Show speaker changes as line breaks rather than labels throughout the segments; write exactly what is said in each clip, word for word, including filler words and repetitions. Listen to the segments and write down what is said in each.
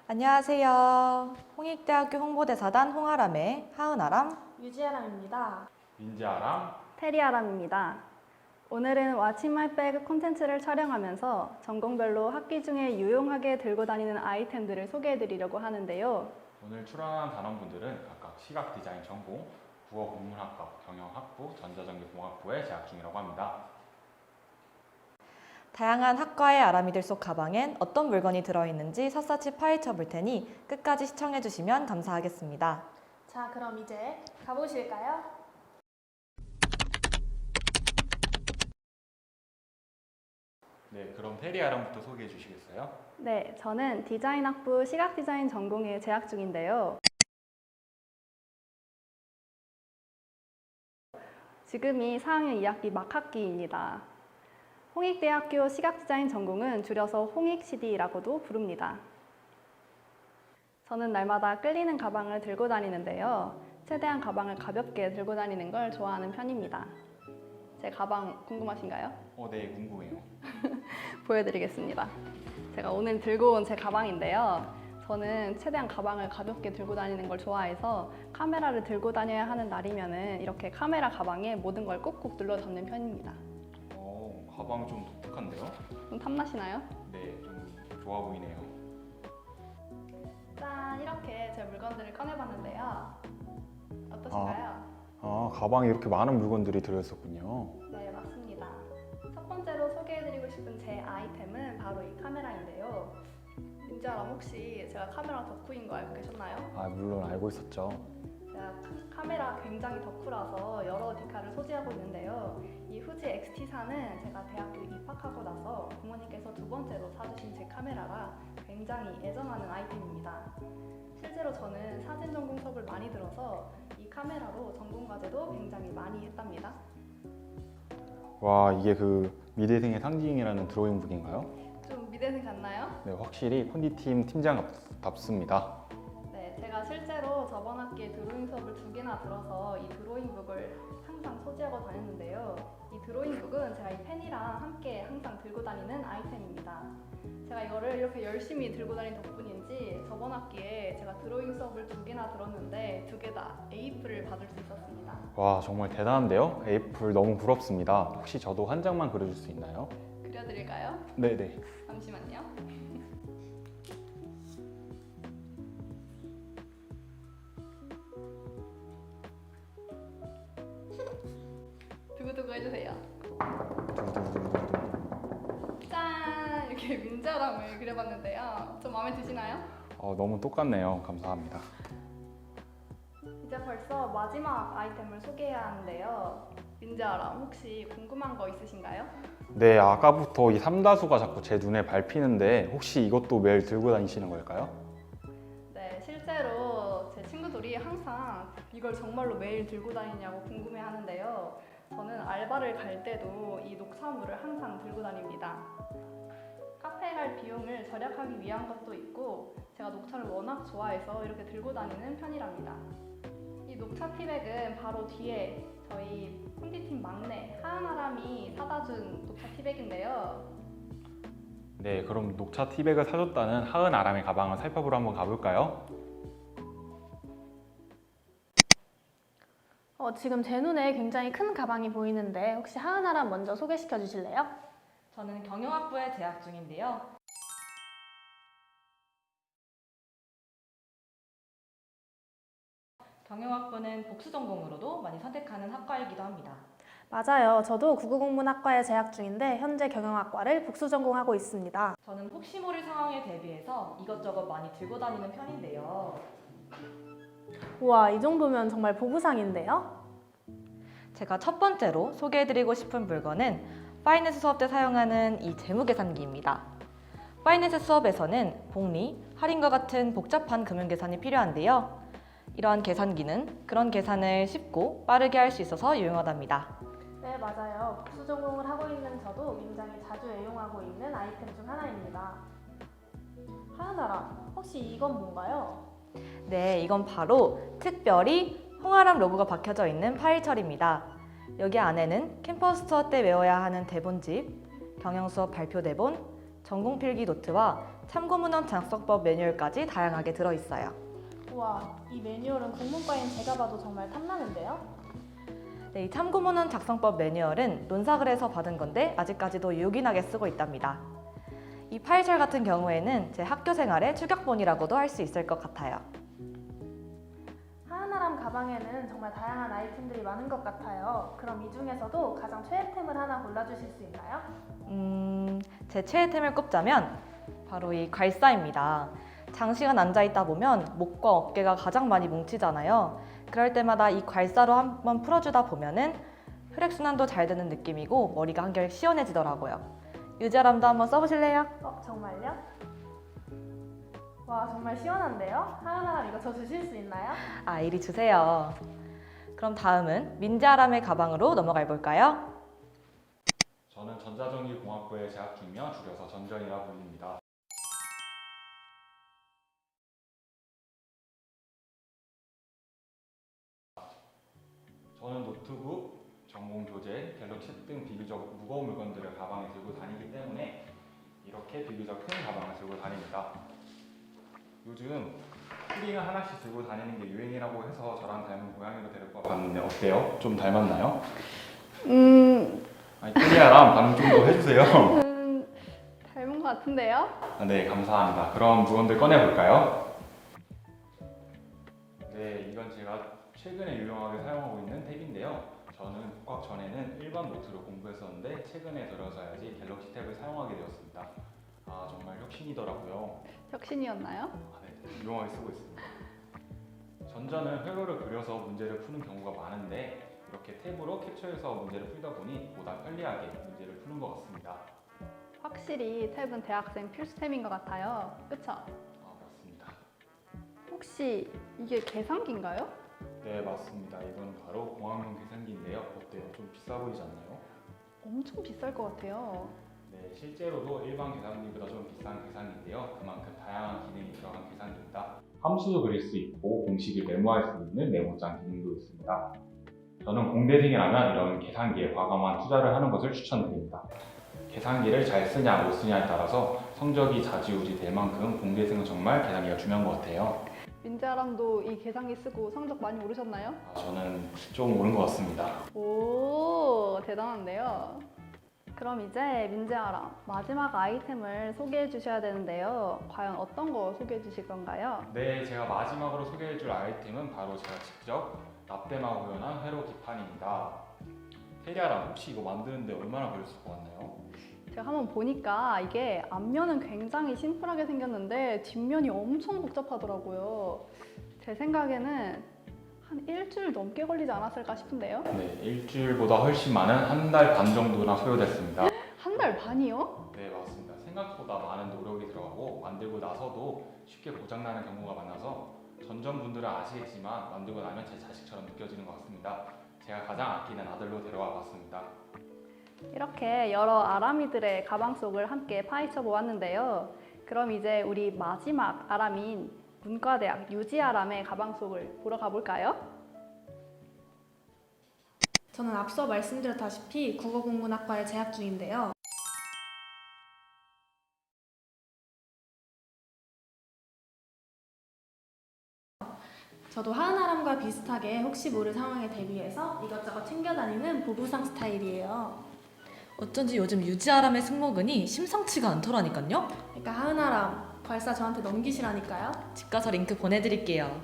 안녕하세요. 홍익대학교 홍보대사단 홍아람의 하은아람,
유지아람입니다.
민지아람,
테리아람입니다. 오늘은 What's in my bag 콘텐츠를 촬영하면서 전공별로 학기 중에 유용하게 들고 다니는 아이템들을 소개해드리려고 하는데요.
오늘 출연한 단원분들은 각각 시각디자인 전공, 국어국문학과, 경영학부, 전자전기공학부에 재학 중이라고 합니다.
다양한 학과의 아람이들 속 가방엔 어떤 물건이 들어있는지 샅샅이 파헤쳐 볼 테니 끝까지 시청해 주시면 감사하겠습니다.
자, 그럼 이제 가보실까요?
네, 그럼 테리아람부터 소개해 주시겠어요?
네, 저는 디자인학부 시각디자인 전공에 재학 중인데요. 지금이 사 학년 이 학기 막학기입니다. 홍익대학교 시각디자인 전공은 줄여서 홍익시디라고도 부릅니다. 저는 날마다 끌리는 가방을 들고 다니는데요. 최대한 가방을 가볍게 들고 다니는 걸 좋아하는 편입니다. 제 가방 궁금하신가요?
어, 네, 궁금해요.
보여드리겠습니다. 제가 오늘 들고 온 제 가방인데요. 저는 최대한 가방을 가볍게 들고 다니는 걸 좋아해서 카메라를 들고 다녀야 하는 날이면은 이렇게 카메라 가방에 모든 걸 꾹꾹 눌러 담는 편입니다.
어, 가방 좀 독특한데요?
좀 탐나시나요?
네, 좀 좋아 보이네요.
짠! 이렇게 제 물건들을 꺼내봤는데요. 어떠신가요?
아, 가방에 이렇게 많은 물건들이 들어있었군요.
네, 맞습니다. 첫 번째로 소개해드리고 싶은 제 아이템은 바로 이 카메라인데요. 민지아람, 혹시 제가 카메라 덕후인 거 알고 계셨나요?
아, 물론 알고 있었죠.
제가 카메라 굉장히 덕후라서 여러 디카를 소지하고 있는데요. 이 후지 엑스티사는 제가 대학교 입학하고 나서 부모님께서 두 번째로 사주신 제 카메라라 굉장히 애정하는 아이템입니다. 실제로 저는 사진 전공 수업을 많이 들어서 이 카메라로 전공 과제도 굉장히 많이 했답니다.
와, 이게 그 미대생의 상징이라는 드로잉북인가요?
좀 미대생 같나요?
네, 확실히 콘디팀 팀장답습니다.
네, 제가 실제로 저번 학기에 드로잉 수업을 두 개나 들어서 이 드로잉북을 항상 소지하고 다녔는데요. 이 드로잉북은 제가 이 펜이랑 함께 항상 들고 다니는 아이템입니다. 제가 이거를 이렇게 열심히 들고 다닌 덕분인지 저번 학기에 제가 드로잉 수업을 두 개나 들었는데 두 개 다 에이프를 받을 수 있었습니다.
와, 정말 대단한데요? 에이플 너무 부럽습니다. 혹시 저도 한 장만 그려줄 수 있나요?
그려드릴까요?
네네.
잠시만요. 두구두구 해주세요. 짠! 이렇게 민자람을 그려봤는데요. 좀 마음에 드시나요?
어, 너무 똑같네요. 감사합니다.
이제 벌써 마지막 아이템을 소개해야 하는데요. 민자람, 혹시 궁금한 거 있으신가요?
네, 아까부터 이 삼다수가 자꾸 제 눈에 밟히는데 혹시 이것도 매일 들고 다니시는 걸까요?
네, 실제로 제 친구들이 항상 이걸 정말로 매일 들고 다니냐고 궁금해 하는데요. 저는 알바를 갈 때도 이 녹차물을 항상 들고 다닙니다. 카페에 갈 비용을 절약하기 위한 것도 있고 제가 녹차를 워낙 좋아해서 이렇게 들고 다니는 편이랍니다. 이 녹차 티백은 바로 뒤에 저희 콘디팀 막내 하은아람이 사다 준 녹차 티백인데요.
네, 그럼 녹차 티백을 사줬다는 하은아람의 가방을 살펴보러 한번 가볼까요?
어, 지금 제 눈에 굉장히 큰 가방이 보이는데 혹시 하은아람 먼저 소개시켜 주실래요?
저는 경영학부에 재학 중인데요. 경영학부는 복수 전공으로도 많이 선택하는 학과이기도 합니다.
맞아요. 저도 국어국문학과에 재학 중인데 현재 경영학과를 복수 전공하고 있습니다.
저는 혹시 모를 상황에 대비해서 이것저것 많이 들고 다니는 편인데요.
우와, 이 정도면 정말 보부상인데요?
제가 첫 번째로 소개해드리고 싶은 물건은 파이낸스 수업 때 사용하는 이 재무계산기입니다. 파이낸스 수업에서는 복리, 할인과 같은 복잡한 금융계산이 필요한데요. 이러한 계산기는 그런 계산을 쉽고 빠르게 할 수 있어서 유용하답니다.
네, 맞아요. 복수 전공을 하고 있는 저도 굉장히 자주 애용하고 있는 아이템 중 하나입니다. 하은아람, 혹시 이건 뭔가요?
네, 이건 바로 특별히 홍아람 로고가 박혀져 있는 파일철입니다. 여기 안에는 캠퍼스 투어 때 외워야 하는 대본집, 경영수업 발표 대본, 전공 필기 노트와 참고문헌 작성법 매뉴얼까지 다양하게 들어있어요.
우와, 이 매뉴얼은 국문과인 제가 봐도 정말 탐나는데요?
네, 이 참고문헌 작성법 매뉴얼은 논사글에서 받은 건데 아직까지도 유gin하게 쓰고 있답니다. 이 파일철 같은 경우에는 제 학교 생활의 추격본이라고도 할 수 있을 것 같아요.
하은아람 가방에는 정말 다양한 아이템들이 많은 것 같아요. 그럼 이 중에서도 가장 최애템을 하나 골라주실 수 있나요?
음, 제 최애템을 꼽자면 바로 이 괄사입니다. 장시간 앉아있다 보면 목과 어깨가 가장 많이 뭉치잖아요. 그럴 때마다 이 괄사로 한번 풀어주다 보면은 혈액순환도 잘 되는 느낌이고 머리가 한결 시원해지더라고요. 유지아람도 한번 써보실래요?
어, 정말요? 와, 정말 시원한데요? 하은아람 이거 저 주실 수 있나요?
아, 이리 주세요. 그럼 다음은 민지아람의 가방으로 넘어가 볼까요?
저는 전자전기공학부에 재학 중이며 줄여서 전전이라 불립니다. 저는 노트북, 전공 교재, 갤럭시 등 비교적 무거운 물건들을 가방에 들고 다니기 때문에 이렇게 비교적 큰 가방을 들고 다닙니다. 요즘 키링을 하나씩 들고 다니는 게 유행이라고 해서 저랑 닮은 고양이로 데리고 와봤는데 어때요? 좀 닮았나요?
음,
아니, 클리아랑 반응 좀 더 해주세요.
음 닮은 것 같은데요?
아, 네, 감사합니다. 그럼 물건들 꺼내볼까요? 네, 이건 제가 최근에 유용하게 사용하고 있는 탭인데요. 저는 복학 전에는 일반 노트로 공부했었는데 최근에 들어서야지 갤럭시 탭을 사용하게 되었습니다. 아, 정말 혁신이더라고요.
혁신이었나요?
아, 네, 유용하게 쓰고 있습니다. 전자는 회로를 그려서 문제를 푸는 경우가 많은데 이렇게 탭으로 캡처해서 문제를 풀다 보니 보다 편리하게 문제를 푸는 것 같습니다.
확실히 탭은 대학생 필수템인 것 같아요. 그쵸?
아, 맞습니다.
혹시 이게 계산기인가요?
네, 맞습니다. 이건 바로 공학용 계산기인데요. 어때요? 좀 비싸 보이지 않나요?
엄청 비쌀 것 같아요.
네, 실제로도 일반 계산기보다 좀 비싼 계산기인데요. 그만큼 다양한 기능이 들어간 계산기입니다. 함수도 그릴 수 있고 공식을 메모할 수 있는 메모장 기능도 있습니다. 저는 공대생이라면 이런 계산기에 과감한 투자를 하는 것을 추천드립니다. 계산기를 잘 쓰냐 못 쓰냐에 따라서 성적이 좌지우지 될 만큼 공대생은 정말 계산기가 중요한 것 같아요.
민지아람도 이 계산기 쓰고 성적 많이 오르셨나요?
아, 저는 좀 오른 것 같습니다.
오, 대단한데요. 그럼 이제 민지아람 마지막 아이템을 소개해 주셔야 되는데요. 과연 어떤 거 소개해 주실 건가요?
네, 제가 마지막으로 소개해줄 아이템은 바로 제가 직접 납땜하고 구현한 회로 기판입니다. 테리아랑 혹시 이거 만드는데 얼마나 걸렸을 것 같나요?
제가 한번 보니까 이게 앞면은 굉장히 심플하게 생겼는데 뒷면이 엄청 복잡하더라고요. 제 생각에는 한 일주일 넘게 걸리지 않았을까 싶은데요?
네, 일주일보다 훨씬 많은 한 달 반 정도나 소요됐습니다.
한 달 반이요?
네, 맞습니다. 생각보다 많은 노력이 들어가고 만들고 나서도 쉽게 고장나는 경우가 많아서 전전분들은 아시겠지만 만들고 나면 제 자식처럼 느껴지는 것 같습니다. 제가 가장 아끼는 아들로 데려와 봤습니다.
이렇게 여러 아람이들의 가방 속을 함께 파헤쳐 보았는데요. 그럼 이제 우리 마지막 아람인 문과대학 유지아람의 가방 속을 보러 가볼까요?
저는 앞서 말씀드렸다시피 국어국문학과에 재학 중인데요. 저도 하은아람과 비슷하게 혹시 모를 상황에 대비해서 이것저것 챙겨 다니는 보부상 스타일이에요.
어쩐지 요즘 유지아람의 승모근이 심상치가 않더라니까요.
그러니까 하은아람, 괄사 저한테 넘기시라니까요.
집 가서 링크 보내드릴게요.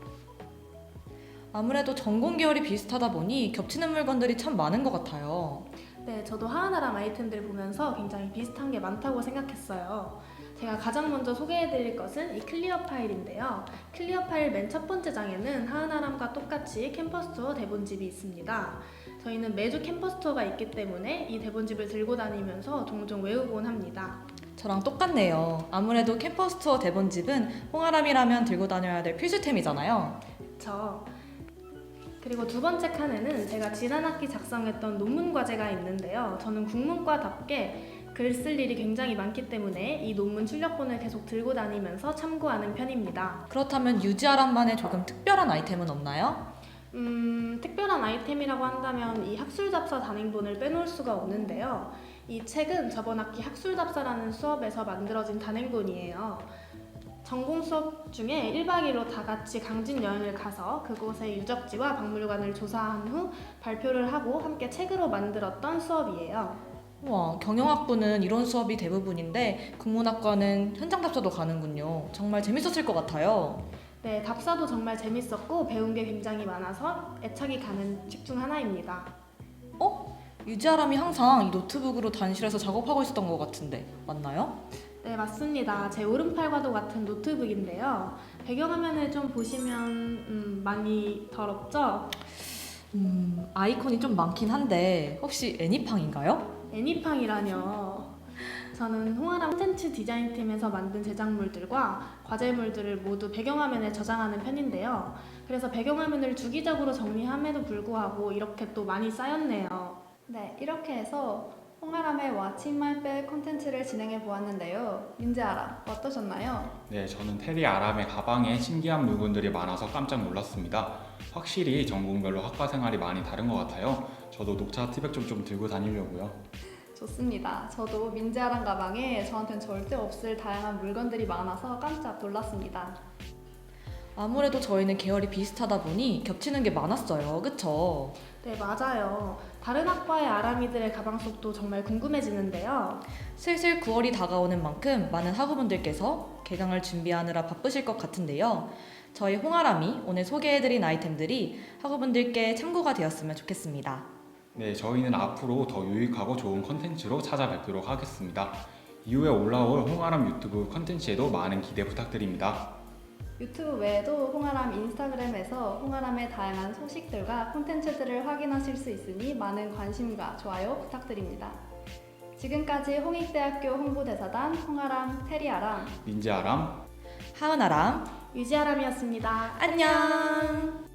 아무래도 전공 계열이 비슷하다 보니 겹치는 물건들이 참 많은 것 같아요.
네, 저도 하은아람 아이템들 보면서 굉장히 비슷한 게 많다고 생각했어요. 제가 가장 먼저 소개해드릴 것은 이 클리어 파일인데요. 클리어 파일 맨 첫 번째 장에는 하은아람과 똑같이 캠퍼스 투어 대본집이 있습니다. 저희는 매주 캠퍼스 투어가 있기 때문에 이 대본집을 들고 다니면서 종종 외우곤 합니다.
저랑 똑같네요. 아무래도 캠퍼스 투어 대본집은 홍아람이라면 들고 다녀야 될 필수템이잖아요.
그쵸. 그리고 두 번째 칸에는 제가 지난 학기 작성했던 논문 과제가 있는데요. 저는 국문과답게 글 쓸 일이 굉장히 많기 때문에 이 논문 출력본을 계속 들고 다니면서 참고하는 편입니다.
그렇다면 유지아람만의 조금 특별한 아이템은 없나요?
음, 특별한 아이템이라고 한다면 이 학술잡사 단행본을 빼놓을 수가 없는데요. 이 책은 저번 학기 학술답사라는 수업에서 만들어진 단행본이에요. 전공 수업 중에 일 박 이 일로 다 같이 강진 여행을 가서 그곳의 유적지와 박물관을 조사한 후 발표를 하고 함께 책으로 만들었던 수업이에요.
와, 경영학부는 이런 수업이 대부분인데 국문학과는 현장 답사도 가는군요. 정말 재밌었을 것 같아요.
네, 답사도 정말 재밌었고 배운 게 굉장히 많아서 애착이 가는 책 중 하나입니다.
어? 유지아람이 항상 이 노트북으로 단실에서 작업하고 있었던 것 같은데 맞나요?
네, 맞습니다. 제 오른팔과도 같은 노트북인데요. 배경화면을 좀 보시면 음, 많이 더럽죠?
음, 아이콘이 좀 많긴 한데 혹시 애니팡인가요?
애니팡이라뇨. 저는 홍아람 콘텐츠 디자인팀에서 만든 제작물들과 과제물들을 모두 배경화면에 저장하는 편인데요. 그래서 배경화면을 주기적으로 정리함에도 불구하고 이렇게 또 많이 쌓였네요.
네, 이렇게 해서 홍아람의 What's in my bag 콘텐츠를 진행해 보았는데요. 민재아람, 어떠셨나요?
네, 저는 테리 아람의 가방에 신기한 물건들이 많아서 깜짝 놀랐습니다. 확실히 전공별로 학과 생활이 많이 다른 것 같아요. 저도 녹차 티백 좀, 좀 들고 다니려고요.
좋습니다. 저도 민재아람 가방에 저한테는 절대 없을 다양한 물건들이 많아서 깜짝 놀랐습니다.
아무래도 저희는 계열이 비슷하다 보니 겹치는 게 많았어요. 그쵸?
네, 맞아요. 다른 학과의 아람이들의 가방 속도 정말 궁금해지는데요.
슬슬 구월이 다가오는 만큼 많은 학우분들께서 개강을 준비하느라 바쁘실 것 같은데요. 저희 홍아람이 오늘 소개해드린 아이템들이 학우분들께 참고가 되었으면 좋겠습니다.
네, 저희는 앞으로 더 유익하고 좋은 컨텐츠로 찾아뵙도록 하겠습니다. 이후에 올라올 홍아람 유튜브 컨텐츠에도 많은 기대 부탁드립니다.
유튜브 외에도 홍아람 인스타그램에서 홍아람의 다양한 소식들과 콘텐츠들을 확인하실 수 있으니 많은 관심과 좋아요 부탁드립니다. 지금까지 홍익대학교 홍보대사단 홍아람 테리아람
민재아람
하은아람
유지아람이었습니다.
안녕!